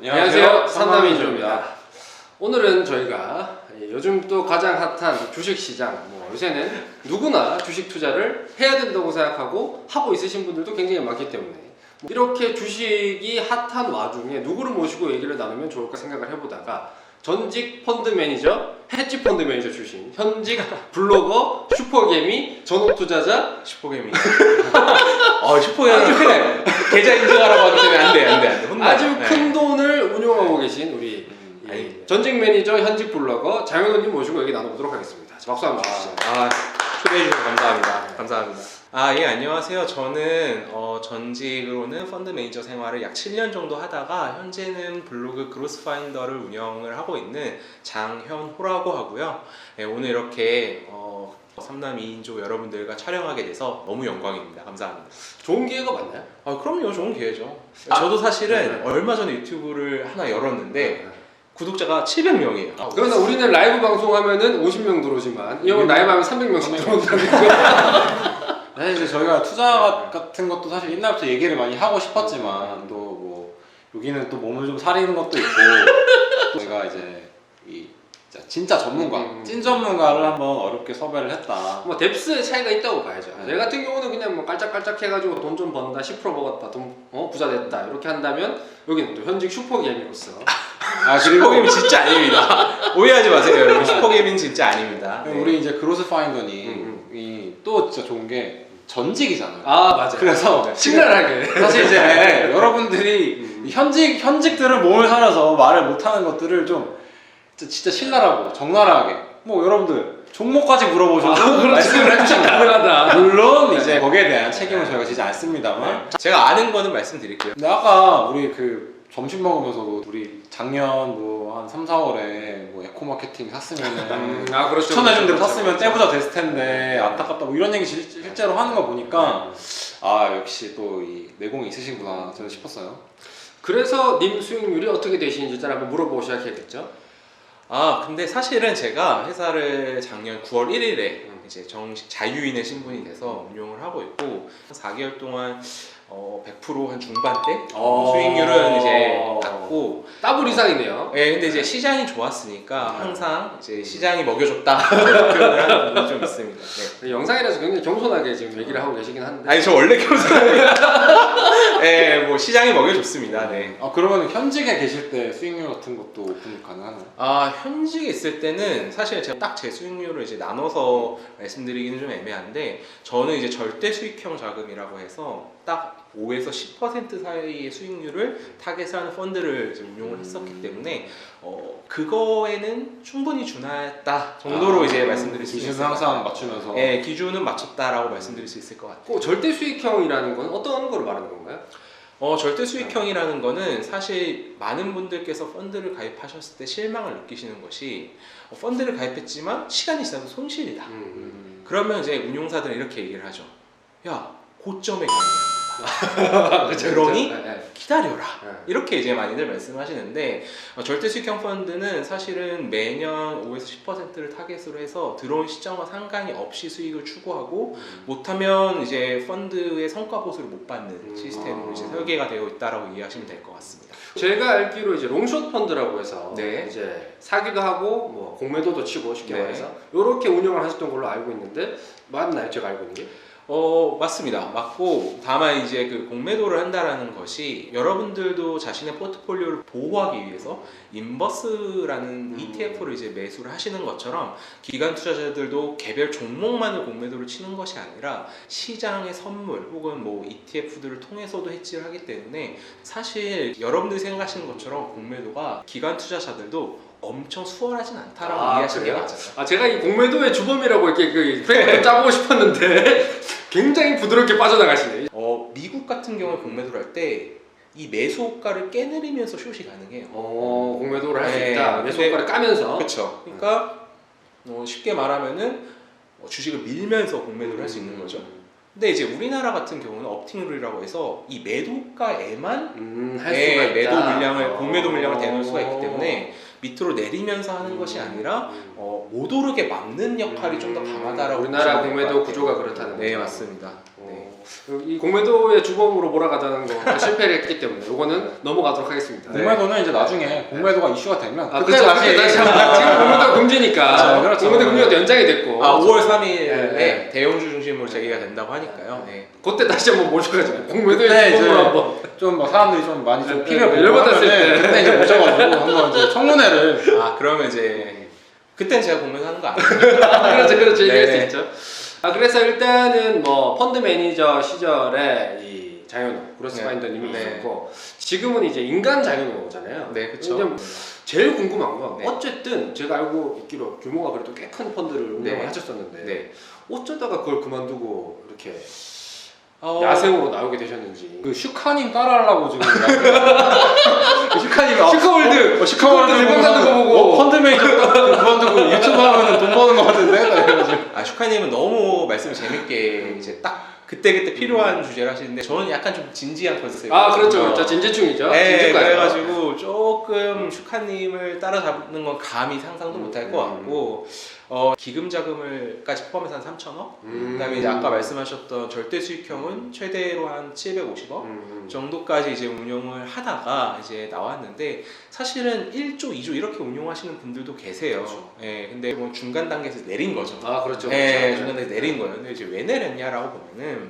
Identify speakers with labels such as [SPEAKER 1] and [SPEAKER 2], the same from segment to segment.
[SPEAKER 1] 안녕하세요. 삼남이조입니다. 오늘은 저희가 요즘 또 가장 핫한 주식시장, 요새는 누구나 주식 투자를 해야 된다고 생각하고 하고 있으신 분들도 굉장히 많기 때문에 이렇게 주식이 핫한 와중에 누구를 모시고 얘기를 나누면 좋을까 생각을 해보다가 전직 펀드 매니저, 헤지 펀드 매니저 출신, 현직 블로거, 슈퍼개미, 전업 투자자,
[SPEAKER 2] 슈퍼개미. 슈퍼개미 큰일. 계좌 인증하라고 하기 때문에 안 돼. 혼나.
[SPEAKER 1] 아주 큰 돈을 운용하고 계신 우리 전직 매니저, 현직 블로거 장현우님 모시고 얘기 나눠보도록 하겠습니다. 박수 한번 주시죠.
[SPEAKER 2] 초대해 주셔서 감사합니다. 안녕하세요. 저는 전직으로는 펀드 매니저 생활을 약 7년 정도 하다가 현재는 블로그 그로스파인더를 운영을 하고 있는 장현호라고 하고요. 오늘 이렇게 삼남 2인조 여러분들과 촬영하게 돼서 너무 영광입니다. 감사합니다.
[SPEAKER 1] 좋은 기회가 맞나요?
[SPEAKER 2] 그럼요. 좋은 기회죠. 저도 사실은 얼마 전에 유튜브를 하나 열었는데 구독자가 700명이에요.
[SPEAKER 1] 그러나 우리는 라이브 방송하면은 50명 들어오지만 이 형은 라이브 하면 300명씩 들어온다는 거.
[SPEAKER 3] 사실 이제 저희가 투자 같은 것도 사실 옛날부터 얘기를 많이 하고 싶었지만 또 뭐 여기는 또 몸을 좀 사리는 것도 있고 저희가 이제 이 진짜 전문가, 찐 전문가를 한번 어렵게 섭외를 했다.
[SPEAKER 1] 뎁스의 차이가 있다고 봐야죠. 제 같은 경우는 그냥 깔짝깔짝 해가지고 돈 좀 번다, 10% 먹었다, 부자 됐다 이렇게 한다면 여기는 또 현직 슈퍼게임으로서
[SPEAKER 2] 슈퍼게임이 진짜 아닙니다. 오해하지 마세요, 여러분. 슈퍼게임은 진짜 아닙니다.
[SPEAKER 3] 우리 이제 그로스파인더니 또 진짜 좋은 게 전직이잖아요.
[SPEAKER 1] 맞아.
[SPEAKER 3] 그래서
[SPEAKER 1] 신랄하게
[SPEAKER 3] 사실 이제 여러분들이 현직들은 몸을 사려서 말을 못하는 것들을 좀 진짜 신랄하고 적나라하게 여러분들 종목까지 물어보셔도 말씀을 해주시면
[SPEAKER 1] 가능하다.
[SPEAKER 3] 물론 이제 거기에 대한 책임은 저희가 지지 않습니다만
[SPEAKER 2] 제가 아는 거는 말씀드릴게요.
[SPEAKER 3] 근데 아까 우리 점심 먹으면서도 우리 작년 한 3, 4월에 에코마케팅 샀으면은
[SPEAKER 1] 그렇죠.
[SPEAKER 3] 추천해준 대로 샀으면 떼부자 됐을 텐데 안타깝다 이런 얘기 실제로 하는 거 보니까 역시 또 이 내공이 있으신구나 저는 싶었어요.
[SPEAKER 1] 그래서 님 수익률이 어떻게 되시는지 일단 한번 물어보고 시작해야겠죠?
[SPEAKER 2] 근데 사실은 제가 회사를 작년 9월 1일에 이제 정식 자유인의 신분이 돼서 운용을 하고 있고 4개월 동안 100% 한 중반대 수익률은 이제 낮고
[SPEAKER 1] 더블 이상이네요.
[SPEAKER 2] 네, 근데 이제 시장이 좋았으니까 항상 이제 시장이 먹여줬다 표현을 하는 부분이 좀 있습니다. 네.
[SPEAKER 1] 영상이라서 굉장히 겸손하게 지금 얘기를 하고 계시긴 한데.
[SPEAKER 2] 아니 저 원래 겸손합니다. 네, 시장이 먹여줬습니다. 네.
[SPEAKER 3] 그러면 현직에 계실 때 수익률 같은 것도 오픈 가능하나요?
[SPEAKER 2] 현직에 있을 때는 사실 제가 딱 제 수익률을 이제 나눠서 말씀드리기는 좀 애매한데 저는 이제 절대 수익형 자금이라고 해서 딱 5에서 10% 사이의 수익률을 타겟하는 펀드를 이제 운용을 했었기 때문에 그거에는 충분히 준하였다 정도로 이제 말씀드릴 수 있어요.
[SPEAKER 3] 기준은 항상 맞추면서.
[SPEAKER 2] 네, 기준은 맞췄다라고 말씀드릴 수 있을 것 같아요.
[SPEAKER 1] 절대 수익형이라는 건 어떤 걸 말하는 건가요?
[SPEAKER 2] 절대 수익형이라는 거는 사실 많은 분들께서 펀드를 가입하셨을 때 실망을 느끼시는 것이 펀드를 가입했지만 시간이 지나서 손실이다. 그러면 이제 운용사들은 이렇게 얘기를 하죠. 야, 고점에 가입합니다. 그러니 기다려라. 이렇게 이제 많이들 말씀하시는데 절대 수익형 펀드는 사실은 매년 5에서 10%를 타겟으로 해서 들어온 시장과 상관이 없이 수익을 추구하고 못하면 이제 펀드의 성과 보수를 못 받는 시스템으로 이제 설계가 되어 있다라고 이해하시면 될 것 같습니다.
[SPEAKER 1] 제가 알기로 이제 롱숏 펀드라고 해서
[SPEAKER 2] 네.
[SPEAKER 1] 이제 사기도 하고 공매도도 치고 쉽게 말해서 이렇게 운영을 하셨던 걸로 알고 있는데 맞나요? 제가 알고 있는 게?
[SPEAKER 2] 맞습니다. 맞고 다만 이제 공매도를 한다라는 것이 여러분들도 자신의 포트폴리오를 보호하기 위해서 인버스라는 ETF를 이제 매수를 하시는 것처럼 기관 투자자들도 개별 종목만을 공매도를 치는 것이 아니라 시장의 선물 혹은 ETF들을 통해서도 해지를 하기 때문에 사실 여러분들이 생각하시는 것처럼 공매도가 기관 투자자들도 엄청 수월하진 않다라고 이해하시는 게 맞아요.
[SPEAKER 1] 제가 이 공매도의 주범이라고 이렇게 프레임을 좀 짜보고 싶었는데 굉장히 부드럽게 빠져나가시네.
[SPEAKER 2] 미국 같은 경우에 공매도를 할 때 이 매수 호가를 깨내리면서 숏이 가능해요.
[SPEAKER 1] 공매도를 할 수 있다. 매수 호가를 까면서.
[SPEAKER 2] 그렇죠. 그러니까 쉽게 말하면은 주식을 밀면서 공매도를 할 수 있는 거죠. 근데 이제 우리나라 같은 경우는 업팅룰이라고 해서 이 매도가에만
[SPEAKER 1] 할 수가 있다.
[SPEAKER 2] 매도 물량을 공매도 물량을 대놓을 수가 있기 때문에 밑으로 내리면서 하는 것이 아니라 못 오르게 막는 역할이 좀 더 강하다라고
[SPEAKER 1] 우리나라 공매도 구조가 그렇다는 거죠.
[SPEAKER 2] 네, 맞습니다. 네.
[SPEAKER 1] 이 공매도의 주범으로 몰아가자는 거 실패를 했기 때문에 이거는 넘어가도록 하겠습니다.
[SPEAKER 3] 공매도는 이제 나중에 공매도가 이슈가 되면
[SPEAKER 1] 아,
[SPEAKER 3] 그때
[SPEAKER 1] 그렇죠.
[SPEAKER 3] 다시
[SPEAKER 1] 지금 공매도 금지니까
[SPEAKER 3] 그렇죠.
[SPEAKER 1] 공매도 금지가 연장이 됐고
[SPEAKER 2] 5월 3일에
[SPEAKER 1] 네.
[SPEAKER 2] 대형주 중심으로 제기가 된다고 하니까요. 네.
[SPEAKER 1] 그때 다시 한번 모셔가지고 공매도의
[SPEAKER 3] 그때
[SPEAKER 1] 주범으로
[SPEAKER 3] 이제
[SPEAKER 1] 한번
[SPEAKER 3] 좀 뭐 사람들이 좀 많이 좀
[SPEAKER 1] 네,
[SPEAKER 3] 피를
[SPEAKER 1] 네,
[SPEAKER 3] 보고
[SPEAKER 1] 열받았을
[SPEAKER 3] 하면은
[SPEAKER 1] 때.
[SPEAKER 3] 그때 이제 모셔가지고 한번 이제 청문회를
[SPEAKER 2] 그러면 이제 그땐 제가 공매도하는 거 아니에요?
[SPEAKER 1] 그렇죠 얘기할 수
[SPEAKER 2] 네.
[SPEAKER 1] 있죠. 그래서 일단은 뭐 펀드 매니저 시절에 이 장현우 그로스
[SPEAKER 2] 네.
[SPEAKER 1] 파인더님이
[SPEAKER 2] 네.
[SPEAKER 1] 있었고 지금은 이제 인간 장현우잖아요.
[SPEAKER 2] 네, 그쵸.
[SPEAKER 1] 근데 제일 궁금한 건
[SPEAKER 2] 네.
[SPEAKER 1] 어쨌든 제가 알고 있기로 규모가 그래도 꽤 큰 펀드를 운영을
[SPEAKER 2] 네.
[SPEAKER 1] 하셨었는데
[SPEAKER 2] 네.
[SPEAKER 1] 어쩌다가 그걸 그만두고 이렇게
[SPEAKER 2] 어,
[SPEAKER 1] 야생으로 나오게 되셨는지.
[SPEAKER 3] 그 슈카님 따라하려고 지금 슈카님이
[SPEAKER 1] 슈카월드
[SPEAKER 3] 슈카월드
[SPEAKER 1] 대박 나는 거 보고
[SPEAKER 3] 펀드 매니저 그만두고 유튜브 하면 돈 버는 거 같은데 그래가지고
[SPEAKER 2] 슈카님은 너무 말씀을 재밌게 이제 딱 그때그때 필요한 주제를 하시는데 저는 약간 좀 진지한 컨셉.
[SPEAKER 1] 그렇죠 진지충이죠.
[SPEAKER 2] 네,
[SPEAKER 1] 진주가요.
[SPEAKER 2] 그래가지고 조금 슈카님을 따라잡는 건 감히 상상도 못할 것 같고 기금 자금을까지 포함해서 한 3천억. 그다음에 이제 아까 말씀하셨던 절대 수익형은 최대로 한 750억 정도까지 이제 운용을 하다가 이제 나왔는데 사실은 1조, 2조 이렇게 운용하시는 분들도 계세요.
[SPEAKER 1] 그렇죠.
[SPEAKER 2] 예, 근데 뭐 중간 단계에서 내린 거죠.
[SPEAKER 1] 그렇죠.
[SPEAKER 2] 예,
[SPEAKER 1] 그렇죠.
[SPEAKER 2] 중간 단계에서 내린 거예요. 근데 이제 왜 내렸냐라고 보면은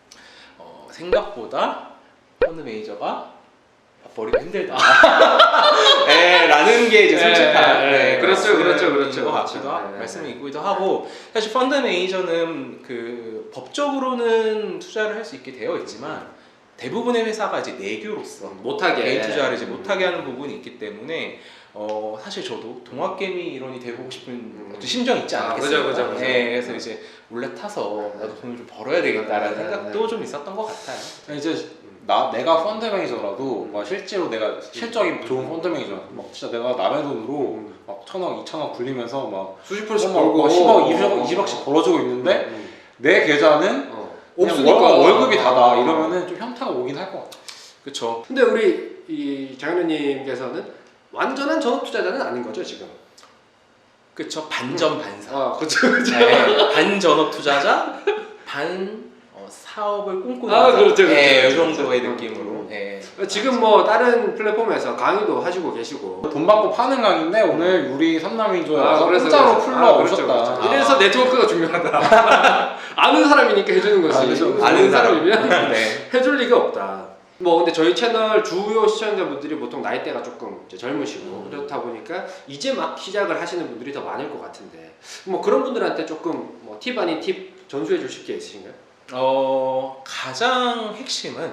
[SPEAKER 2] 생각보다 펀드 매니저가 버리기 힘들다. 예, 라는 게 이제 솔직한
[SPEAKER 1] 그렇죠.
[SPEAKER 2] 것 같기도 하고 말씀이기도 하고 사실 펀드 매니저는 그 법적으로는 투자를 할 수 있게 되어 있지만 대부분의 회사가 이제 내규로서
[SPEAKER 1] 못하게
[SPEAKER 2] 개인 투자를 이제 못하게 하는 부분이 있기 때문에 사실 저도 동학개미 일원이 되고 싶은 어떤 심정이 있지 않겠어요.
[SPEAKER 1] 그죠.
[SPEAKER 2] 네, 그래서 이제 몰래 타서 나도 돈을 좀 벌어야 되겠다라는
[SPEAKER 1] 네,
[SPEAKER 2] 생각도 좀 있었던 것 같아요.
[SPEAKER 3] 이제 내가 펀드 매니저라도 막 실제로 내가 실적이 좋은 펀드 매니저 막 진짜 내가 남의 돈으로 막 1,000억, 2,000억 굴리면서 막
[SPEAKER 1] 수십 프로씩
[SPEAKER 3] 막
[SPEAKER 1] 벌고
[SPEAKER 3] 10억, 20억씩 벌어주고 있는데 내 계좌는 그냥
[SPEAKER 1] 없으니까
[SPEAKER 3] 월급이 다다 이러면은 좀 현타가 오긴 할 것 같아.
[SPEAKER 2] 그렇죠.
[SPEAKER 1] 근데 우리 이 장현우님께서는 완전한 전업 투자자는 아닌 거죠 지금?
[SPEAKER 2] 그렇죠. 반전 반사.
[SPEAKER 1] 그렇죠.
[SPEAKER 2] 네, 반 전업 투자자, 반 사업을 꿈꾸는
[SPEAKER 1] 그렇죠.
[SPEAKER 2] 이 정도의 느낌으로. 네.
[SPEAKER 1] 지금 뭐 다른 플랫폼에서 강의도 하시고 계시고.
[SPEAKER 3] 돈 받고 파는 강인데 오늘 우리 삼남이조에 와서
[SPEAKER 1] 그래서
[SPEAKER 3] 공짜로
[SPEAKER 1] 그래서.
[SPEAKER 3] 풀러
[SPEAKER 1] 그렇죠,
[SPEAKER 3] 오셨다.
[SPEAKER 1] 그렇죠. 이래서 네트워크가 중요하다. 아는 사람이니까 해주는 거지.
[SPEAKER 3] 그렇죠.
[SPEAKER 1] 아는 사람이면
[SPEAKER 2] 네.
[SPEAKER 1] 해줄 리가 없다. 뭐 근데 저희 채널 주요 시청자분들이 보통 나이대가 조금 이제 젊으시고 그렇다 보니까 이제 막 시작을 하시는 분들이 더 많을 것 같은데 뭐 그런 분들한테 조금 뭐 팁 아닌 팁 전수해 주실 게 있으신가요?
[SPEAKER 2] 가장 핵심은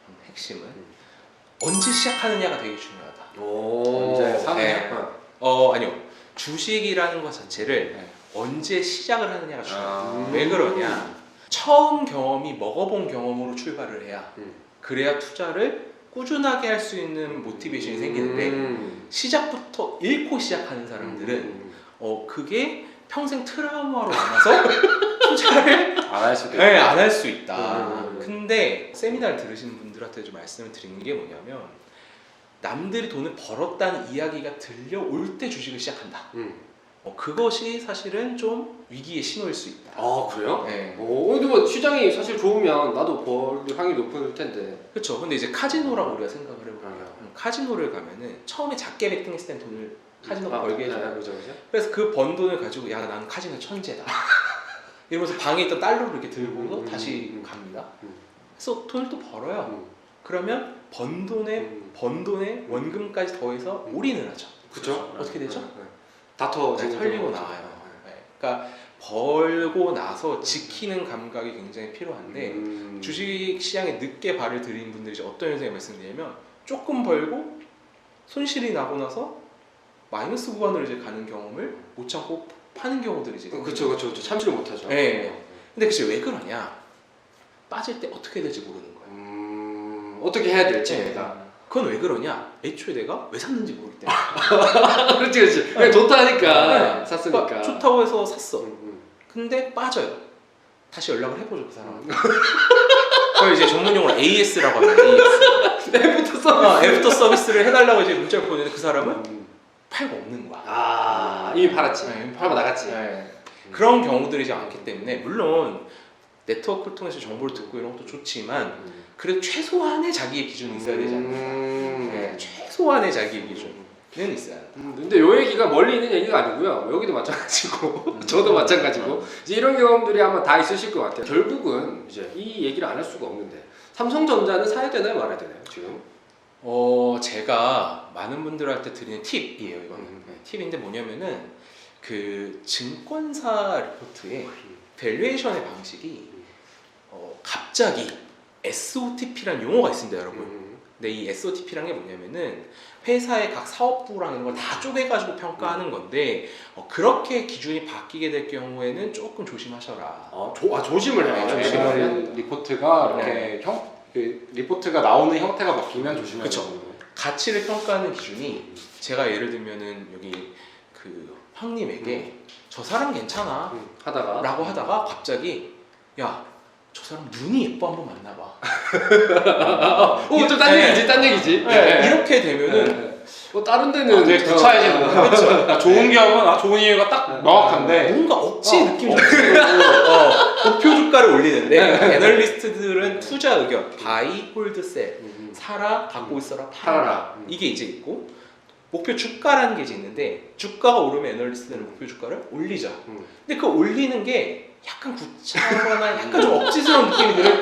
[SPEAKER 2] 언제 시작하느냐가 되게 중요하다.
[SPEAKER 3] 언제 사느냐?
[SPEAKER 2] 네. 아니요. 주식이라는 것 자체를 언제 시작을 하느냐가 중요해요. 왜 그러냐? 처음 경험이 먹어본 경험으로 출발을 해야 그래야 투자를 꾸준하게 할 수 있는 모티베이션이 생기는데 시작부터 잃고 시작하는 사람들은 그게 평생 트라우마로 남아서 투자를
[SPEAKER 3] 안 할 수도 있다.
[SPEAKER 2] 안 할 수 있다. 근데 세미나를 들으시는 분들한테 좀 말씀을 드리는 게 뭐냐면 남들이 돈을 벌었다는 이야기가 들려올 때 주식을 시작한다. 그것이 사실은 좀 위기의 신호일 수 있다.
[SPEAKER 1] 그래요?
[SPEAKER 2] 네.
[SPEAKER 1] 근데 뭐 시장이 사실 좋으면 나도 벌 확률이 높을 텐데.
[SPEAKER 2] 그렇죠. 근데 이제 카지노라고 우리가 생각을 해볼게요. 카지노를 가면은 처음에 작게 베팅했을 땐 돈을 카지노가 벌게 해줘요.
[SPEAKER 1] 그죠.
[SPEAKER 2] 그래서 그 번 돈을 가지고 야 나는 카지노 천재다. 이러면서 방에 있던 달러를 이렇게 들고 다시 갑니다. 그래서 돈을 또 벌어요. 그러면 번 돈에 원금까지 더해서 올인을 하죠.
[SPEAKER 1] 그렇죠.
[SPEAKER 2] 어떻게 되죠?
[SPEAKER 1] 다
[SPEAKER 2] 털리고 나와요. 네. 그러니까 벌고 나서 지키는 감각이 굉장히 필요한데 주식 시장에 늦게 발을 들인 분들이 이제 어떤 현상을 말씀드리냐면 조금 벌고 손실이 나고 나서 마이너스 구간으로 이제 가는 경험을 못 참고 파는 경우들이 이제
[SPEAKER 1] 그렇죠. 참지를 못하죠.
[SPEAKER 2] 네. 근데 그게 왜 그러냐? 빠질 때 어떻게 될지 모르는 거예요.
[SPEAKER 1] 어떻게 해야 될지.
[SPEAKER 2] 네. 그건 왜 그러냐? 애초에 내가 왜 샀는지 모를 때.
[SPEAKER 1] 그렇지. 그냥 좋다 하니까 샀으니까.
[SPEAKER 2] 그러니까 좋다고 해서 샀어. 근데 빠져요. 다시 연락을 해보죠 그 사람한테. 그걸 이제 전문용어로 AS라고 합니다. AS. 애프터 서비스를 해달라고 이제 문자를 보내는데 그 사람은 팔고 없는 거야.
[SPEAKER 1] 이미 팔았지.
[SPEAKER 2] 네,
[SPEAKER 1] 팔고 나갔지.
[SPEAKER 2] 네. 그런 경우들이 이제 많기 때문에 물론 네트워크를 통해서 정보를 듣고 이런 것도 좋지만 그래도 최소한의 자기의 기준이 있어야 되지 않을까. 네, 최소한의 자기의 기준은 있어야 한다.
[SPEAKER 1] 근데 요 얘기가 멀리 있는 얘기가 아니고요. 여기도 마찬가지고 저도 마찬가지고 이제 이런 경험들이 아마 다 있으실 것 같아요. 결국은 이제 이 얘기를 안 할 수가 없는데 삼성전자는 사야 되나요, 말아야 되나요, 지금?
[SPEAKER 2] 제가 많은 분들한테 드리는 팁이에요. 이거는 팁인데 뭐냐면은 그 증권사 리포트의 밸류에이션의 방식이 갑자기 SOTP라는 용어가 있습니다, 여러분. 근데 이 SOTP라는 게 뭐냐면은 회사의 각 사업부라는 걸 다 쪼개가지고 평가하는 건데 그렇게 기준이 바뀌게 될 경우에는 조금 조심하셔라.
[SPEAKER 1] 조심을 해요.
[SPEAKER 2] 네, 조심을
[SPEAKER 1] 조심을 해요.
[SPEAKER 3] 리포트가 이렇게 그 리포트가 나오는 형태가 바뀌면 조심해야
[SPEAKER 2] 그쵸.
[SPEAKER 3] 되는 거예요.
[SPEAKER 2] 가치를 평가하는 기준이 제가 예를 들면은 여기 그 형님에게 저 사람 괜찮아
[SPEAKER 1] 하다가
[SPEAKER 2] 라고 하다가 갑자기 야 저 사람 눈이 예뻐 한번 만나봐.
[SPEAKER 1] 좀 딴 얘기지, 딴 얘기지.
[SPEAKER 2] 이렇게 되면은
[SPEAKER 1] 다른 데는
[SPEAKER 3] 되게 구차해지는 거야. 그러니까 좋은 기업은 좋은 이유가 딱 명확한데
[SPEAKER 2] 뭔가 억지 느낌이 좀 들고 목표 주가를 올리는데 애널리스트들은 투자 의견 바이, 홀드, 셀 사라, 갖고 있어라, 팔아라 이게 이제 있고 목표 주가라는 게 이제 있는데 주가가 오르면 애널리스트들은 목표 주가를 올리죠. 근데 그 올리는 게 약간 구차하거나 약간 좀 억지스러운 느낌이 들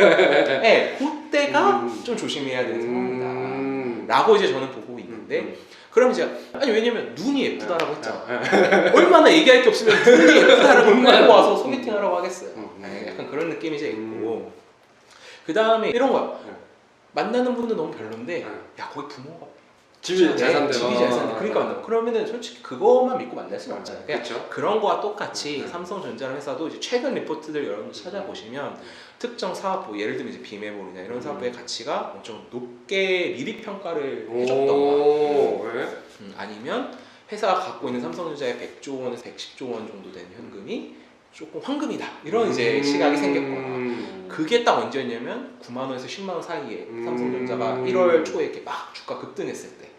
[SPEAKER 2] 때 그때가 좀 조심해야 되는 상황이다 라고 이제 저는 보고 있는데 그럼 이제 아니 왜냐면 눈이 예쁘다라고 했잖아. 얼마나 얘기할 게 없으면 눈이 예쁘다라고 끌고 와서 소개팅하라고 하겠어요. 약간 그런 느낌이 이제 있고 그 다음에 이런 거야. 만나는 분도 너무 별론데 야 거기 부모가
[SPEAKER 1] 집이 잘 산대요.
[SPEAKER 2] 집이 잘 산대. 그러니까 만나. 그러면은 솔직히 그것만 믿고 만날 수는 없잖아요. 그냥
[SPEAKER 1] 그렇죠.
[SPEAKER 2] 그런 거와 똑같이 삼성전자라는 회사도 이제 최근 리포트들 여러분들 찾아보시면 특정 사업부 예를 들면 이제 비메모리나 이런 사업부의 가치가 엄청 높게 미리 평가를 해줬던가 아니면 회사가 갖고 있는 삼성전자의 100조 원에서 110조 원 정도 되는 현금이 조금 황금이다 이런 이제 시각이 생겼거나 그게 딱 언제였냐면 9만 원에서 10만 원 사이에 삼성전자가 1월 초에 이렇게 막 주가 급등했을 때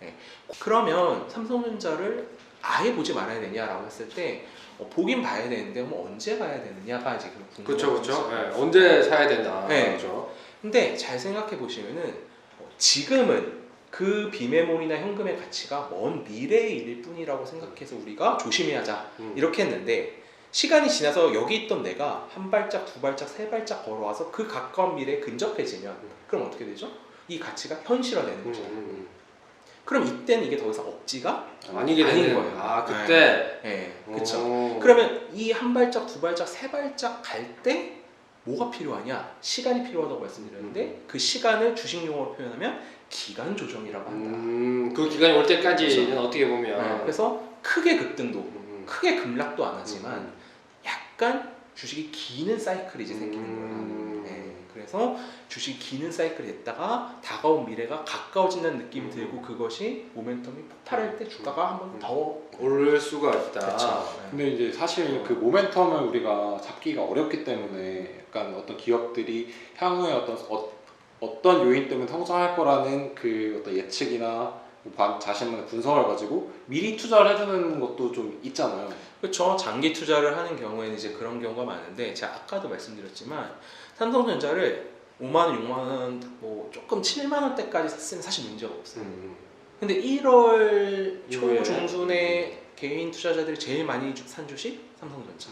[SPEAKER 2] 그러면 삼성전자를 아예 보지 말아야 되냐라고 했을 때 보긴 봐야 되는데 뭐 언제 봐야 되느냐가 이제 궁금한
[SPEAKER 1] 그렇죠. 언제 사야 된다.
[SPEAKER 2] 네.
[SPEAKER 1] 그렇죠.
[SPEAKER 2] 근데 잘 생각해 보시면은 지금은 그 비메모리나 현금의 가치가 먼 미래의 일일 뿐이라고 생각해서 우리가 조심해야자 이렇게 했는데 시간이 지나서 여기 있던 내가 한 발짝, 두 발짝, 세 발짝 걸어와서 그 가까운 미래에 근접해지면 그럼 어떻게 되죠? 이 가치가 현실화되는 거죠. 그럼 이때는 이게 더 이상 억지가
[SPEAKER 1] 아니게
[SPEAKER 2] 아닌
[SPEAKER 1] 되는
[SPEAKER 2] 거예요.
[SPEAKER 1] 그때.
[SPEAKER 2] 네, 그렇죠. 그러면 이 한 발짝, 두 발짝, 세 발짝 갈 때 뭐가 필요하냐? 시간이 필요하다고 말씀드렸는데 그 시간을 주식 용어로 표현하면 기간 조정이라고 한다.
[SPEAKER 1] 그 기간이 올 때까지는
[SPEAKER 2] 그렇죠.
[SPEAKER 1] 어떻게 보면
[SPEAKER 2] 그래서 크게 급등도 크게 급락도 안 하지만 약간 주식이 기는 사이클이 이제 생기는 거예요. 그래서 주식이 기는 사이클이 됐다가 다가온 미래가 가까워진다는 느낌이 들고 그것이 모멘텀이 폭발할 때 주가가 한번 더
[SPEAKER 1] 오를 수가 있다.
[SPEAKER 2] 그렇죠.
[SPEAKER 3] 근데 이제 사실 그 모멘텀을 우리가 잡기가 어렵기 때문에 약간 어떤 기업들이 향후에 어떤 요인 때문에 성장할 거라는 그 어떤 예측이나 자신만의 분석을 가지고 미리 투자를 해주는 것도 좀 있잖아요.
[SPEAKER 2] 그렇죠. 장기 투자를 하는 경우에는 이제 그런 경우가 많은데 제가 아까도 말씀드렸지만 삼성전자를 5만 원, 6만 원, 뭐 조금 7만 원대까지 샀으면 사실 문제가 없어요. 근데 1월
[SPEAKER 1] 이후에?
[SPEAKER 2] 초중순에 개인 투자자들이 제일 많이 산 주식 삼성전자.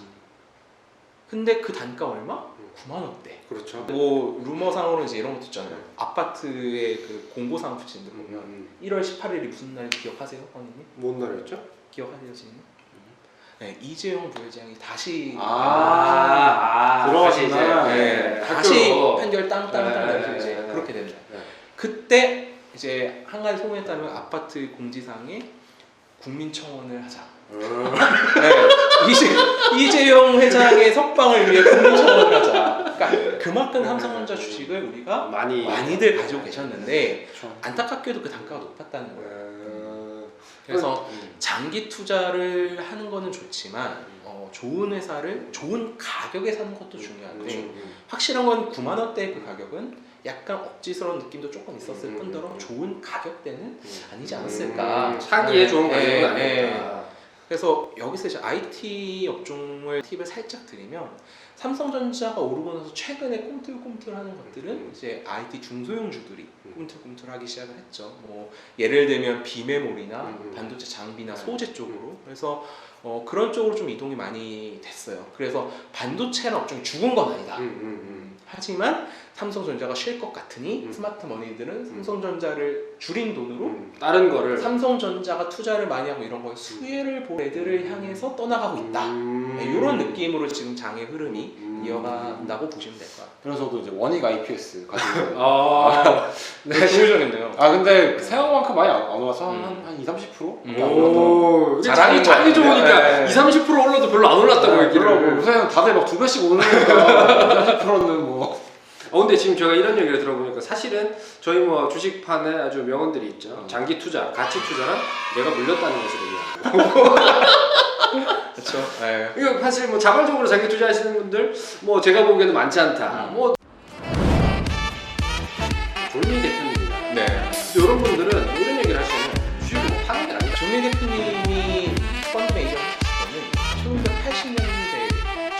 [SPEAKER 2] 근데 그 단가 얼마? 9만 원대.
[SPEAKER 1] 그렇죠.
[SPEAKER 2] 뭐 루머상으로 이제 이런 것도 있잖아요. 아파트의 그 공고사항 붙이는데 보면 1월 18일이 무슨 날인지 기억하세요, 황님님?
[SPEAKER 1] 뭔 날이었죠?
[SPEAKER 2] 기억하세요, 지금? 네, 이재용 부회장이 다시
[SPEAKER 3] 들어가시나?
[SPEAKER 2] 다시
[SPEAKER 1] 학교로.
[SPEAKER 2] 판결 땅땅땅
[SPEAKER 1] 네,
[SPEAKER 2] 나서
[SPEAKER 1] 네,
[SPEAKER 2] 이제
[SPEAKER 1] 네.
[SPEAKER 2] 그렇게 됩니다.
[SPEAKER 1] 네.
[SPEAKER 2] 그때 이제 한 가지 소문에 따르면 아파트 공지사항에 국민청원을 하자. 네, 이재용 회장의 석방을 위해 국민청원을 하자. 그러니까 그만큼 삼성전자 주식을 우리가 많이들 가지고 계셨는데 안타깝게도 그 단가가 높았다는 거예요. 그래서 장기 투자를 하는 거는 좋지만 좋은 회사를 좋은 가격에 사는 것도 중요한데 확실한 건 9만 원대의 그 가격은 약간 억지스러운 느낌도 조금 있었을 뿐더러 좋은 가격대는 아니지 않았을까.
[SPEAKER 1] 사기에 좋은 가격은
[SPEAKER 2] 네,
[SPEAKER 1] 아니었다.
[SPEAKER 2] 그래서 여기서 이제 IT 업종을 팁을 살짝 드리면 삼성전자가 오르고 나서 최근에 꿈틀꿈틀하는 것들은 이제 IT 중소형주들이 꿈틀꿈틀하기 시작을 했죠. 뭐 예를 들면 비메모리나 반도체 장비나 소재 쪽으로. 그래서 그런 쪽으로 좀 이동이 많이 됐어요. 그래서 반도체는 업종이 죽은 건 아니다. 하지만 삼성전자가 쉴 것 같으니 스마트 머니들은 삼성전자를 줄인 돈으로
[SPEAKER 1] 다른 거를
[SPEAKER 2] 삼성전자가 투자를 많이 하고 이런 거에 수혜를 본 애들을 향해서 떠나가고 있다. 네, 이런 느낌으로 지금 장의 흐름이 이어간다고 보시면 될 것 같아요.
[SPEAKER 3] 그래서 저도 이제 원익 IPS 가지고
[SPEAKER 1] 아,
[SPEAKER 2] 네, 보여줘야겠네요.
[SPEAKER 3] 아 근데 생각만큼 많이 안 올라서 한 20-30%?
[SPEAKER 1] 오,
[SPEAKER 2] 자랑인
[SPEAKER 1] 자기
[SPEAKER 2] 것
[SPEAKER 1] 좋으니까
[SPEAKER 2] 같아요. 네.
[SPEAKER 1] 20-30% 올라도 별로 안 올랐다고 얘기를.
[SPEAKER 3] 그러고 요새는 다들 막 2배씩 오르니까 20%는 뭐
[SPEAKER 1] 근데 지금 제가 이런 얘기를 들어보니까 사실은 저희 뭐 주식판에 아주 명언들이 있죠. 장기 투자, 가치 투자란 내가 물렸다는 것으로 이해하고.
[SPEAKER 2] 그렇죠. 네.
[SPEAKER 1] 이거 사실 뭐 자발적으로 장기 투자하시는 분들 뭐 제가 보기에는 많지 않다. 뭐 졸미 대표님이나
[SPEAKER 2] 네.
[SPEAKER 1] 이런 분들은 뭐 이런 얘기를 하시면 주식을 뭐 파는 게 아니라
[SPEAKER 2] 조미 대표님이 펀드 매니저 하셨을 때는 1980년대,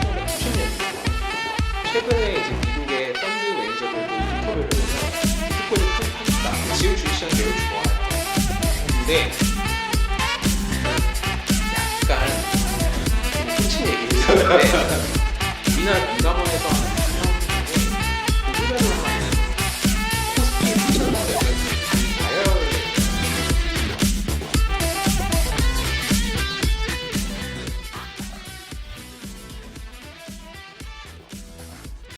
[SPEAKER 2] 1990년대 최근에 이제 미국의 펀드 매니저들도 인터뷰를 해서 비트코인을 투입하겠다. 지금 주식시장 매우 좋아요. 근데 약간 좀 꽂힌 얘기를 했는데 우리나라 금감원에서